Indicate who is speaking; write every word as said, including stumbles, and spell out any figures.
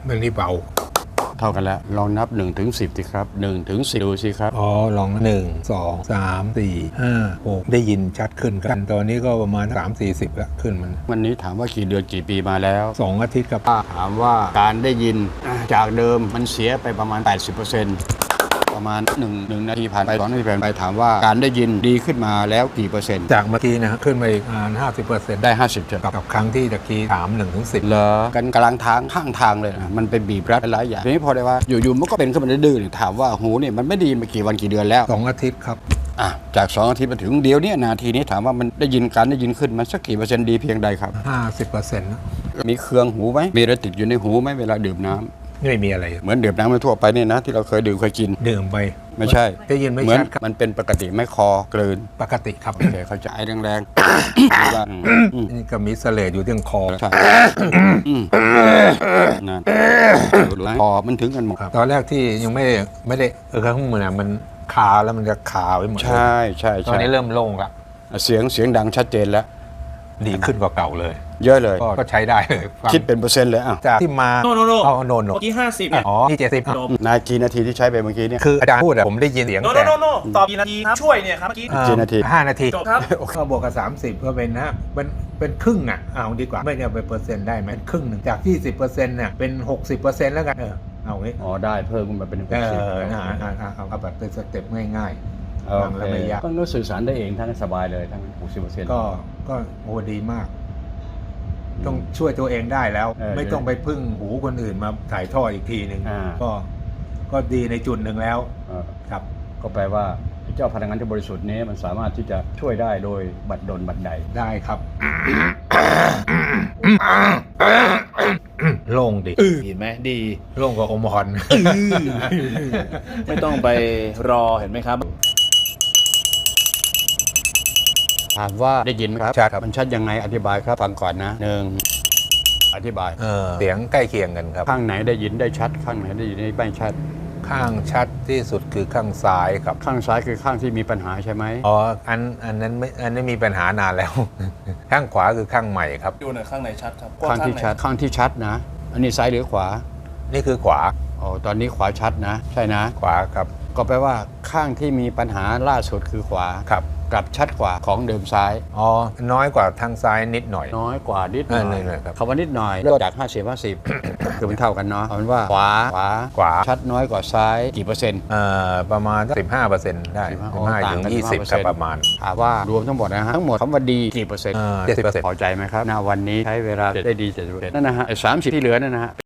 Speaker 1: เรื่องนี้เบา
Speaker 2: เท่ากันแล้วลองนับหนึ่งถึงสิบสิครับหนึ่งถึงสิบดูสิครับ
Speaker 1: อ๋อลองหนึ่งสองสามสี่ห้าหกได้ยินชัดขึ้นกันตอนนี้ก็ประมาณสามสี่สิบแล้วขึ้นมัน
Speaker 2: วันนี้ถามว่ากี่เดือนกี่ปีมาแล้ว
Speaker 1: สองอาทิตย์ครับ
Speaker 2: ถามว่าการได้ยินจากเดิมมันเสียไปประมาณ แปดสิบเปอร์เซ็นต์ ประมาณ1 1นาทีผ่านไปสองนาทีผ่านไปถามว่าการได้ยินดีขึ้นมาแล้วกี่เปอร์เซ็นต์
Speaker 1: จากเมื่อกี้นะขึ้นมาอีกประมาณห้าสิบเปอร์เซ็นต์
Speaker 2: ได้ห้าสิบเจ็ด
Speaker 1: กับครั้งที่ตะกี้ถามหนึ่งถึงสิบ
Speaker 2: เหรอกันกำลังทางข้างทางเลยนะมันเป็นบีบรัดหลายอย่างทีนี้พอได้ว่าอยู่ๆมันก็เป็นขึ้นมาดื้อๆถามว่าหูเนี่ยมันไม่ดีมากี่วันกี่เดือนแล้ว
Speaker 1: สองอาทิตย์ครับ
Speaker 2: อ่ะจากสองอาทิตย์มาถึงเดียวนี้นาทีนี้ถามว่ามันได้ยินการได้ยินขึ้นมันสักกี่เปอร์เซ็นต์ดีเพียงใดครับ
Speaker 1: ห้าสิบเปอร์เซ็นต์
Speaker 2: มีเครืองหูไหมมีอะไรติดอยู่ในหูไหมเวลาดื่มน้ำ
Speaker 1: ไม่มีอะไร
Speaker 2: เหมือนดื่มน้ำทั่วไปเนี่ยนะที่เราเคยดื่มเคยกิน
Speaker 1: ดื่มไป
Speaker 2: ไม่ใช่
Speaker 1: ได้ยินไม่ชัด
Speaker 2: มันเป็นปกติไม่คอกลืน
Speaker 1: ปกติครับ
Speaker 2: โอเคเข้าใจแรงๆ
Speaker 1: นี่ก็มีเสลดอยู่ที่คอ
Speaker 2: ใช่นั่นคอมันถึงกันหมด
Speaker 1: ตอนแรกที่ยังไม่ไม่ได้เออข้างมือมันคาแล้วมันจะคาไว้หมด
Speaker 2: ใช่ใช่
Speaker 1: ตอนนี้เริ่มโล่งละ
Speaker 2: เสียงเสียงดังชัดเจนแล้ว
Speaker 1: ดีขึ้นกว่าเก่าเลย
Speaker 2: เยอะเลย
Speaker 1: ก็ใช้ได้เลย
Speaker 2: คิดเป็นเปอร์เซ็นต์เลยอ่ะ
Speaker 1: จากที่มา
Speaker 3: โนโนโน
Speaker 1: เอาโนโน
Speaker 3: เมื่อกี้ห้าสิบ
Speaker 1: อ๋อนี่เจ็ดสิบ
Speaker 2: นาทีนาทีที่ใช้ไปเมื่อกี้เนี่ย
Speaker 1: คืออาจารย์พูดอะผมได้ยินเสียง
Speaker 3: โนโนโนโนตอบกี่นาทีครับช่วยเนี่ยครับเมื่อกี้
Speaker 2: กี่นาที
Speaker 1: ห้านาที
Speaker 3: จบครับ
Speaker 1: ก็บวกกับสามสิบก็เป็นนะเป็นเป็นครึ่งอ่ะเอาดีกว่าไม่เนี่ยเป็นเปอร์เซ็นต์ได้ไหมครึ่งหนึ่งจากยี่สิบเปอร์เซ็นต์เนี่ยเป็นหกสิบเปอร์เซ็นต์แล้วกันเออเอาไว้
Speaker 2: อ๋อได้เพิ่มขึ้นมาเป็นหกสิบ
Speaker 1: เออเอาแบบเป็นสเต็ปง่าย
Speaker 2: ๆฟังแล้วไม่ยากก็สื่อสารได้เองทั้งสบายเลยทั้งหกสิบเปอร์เซ็นต์
Speaker 1: ก็ก็โอ้ดีมากต้องช่วยตัวเองได้แล้วไม่ต้องไปพึ่งหูคนอื่นมาถ่ายทอดอีกทีหนึ่งก็ก็ดีในจุดหนึ่งแล้วครับ
Speaker 2: ก็แปลว่าเจ้าพลังงานที่บริสุทธิ์นี้มันสามารถที่จะช่วยได้โดยบัดดลบัดใด
Speaker 1: ได้ครับโล่งดิ
Speaker 3: เห็นไหมดี
Speaker 1: โล่งกว่าอมฮอน
Speaker 3: ไม่ต้องไปรอเห็นไหมครับ
Speaker 2: ถามว่าได้ยินไหมครับ
Speaker 1: ชัดครับ
Speaker 2: มันชัดยังไงอธิบายครับฟังก่อนนะหนึ่งอธิบาย
Speaker 1: เสียงใกล้เคียงกันครับ
Speaker 2: ข้างไหนได้ยินได้ชัดข้างไหนได้ยินได้ไม่ชัด
Speaker 1: ข้างชัดที่สุดคือข้างซ้ายครับ
Speaker 2: ข้างซ้ายคือข้างที่มีปัญหาใช่ไหม
Speaker 1: อ๋ออันอันนั้นไม่อันนี้มีปัญหานานแล้วข้างขวาคือข้างใหม่ครับ
Speaker 3: ดูหน่อยข้างไหนชัดครับ
Speaker 2: ข้างที่ชัดข้างที่ชัดนะอันนี้ซ้ายหรือขวา
Speaker 1: นี่คือขวา
Speaker 2: อ๋อตอนนี้ขวาชัดนะใช่นะ
Speaker 1: ขวาครับ
Speaker 2: ก็แปลว่าข้างที่มีปัญหาล่าสุดคือขวา
Speaker 1: ครับ
Speaker 2: กลับชัดกว่าของเดิมซ้าย
Speaker 1: อ๋อน้อยกว่าทางซ้ายนิดหน่อย
Speaker 2: น้อยกว่านิดหน่อย
Speaker 1: ครับ
Speaker 2: คำว่านิดหน่อยเริ่มจากห้าสิบ ห้าสิบคือมันเท่ากันเนาะเอาเป็นว่าขวาขวา
Speaker 1: ขวา
Speaker 2: ชัดน้อยกว่าซ้ายกี่เปอร์เซ็นต์
Speaker 1: เอ่อประมาณสิบห้าเปอร์เซ็นต์ได้สิบห้าถึงยี่สิบครับประมาณ
Speaker 2: ถามว่ารวมทั้งหมดนะฮะทั้งหมดคำว่าดีกี่เปอร์เซ็นต์
Speaker 1: เจ็ดสิบเปอร์เซ็นต์
Speaker 2: พอใจไหมครับณวันนี้ใช้เวลาได้ดีเจ็ดสิบเปอร์เซ็นต์นั่นนะฮะสามสิบที่เหลือนั่นนะฮะ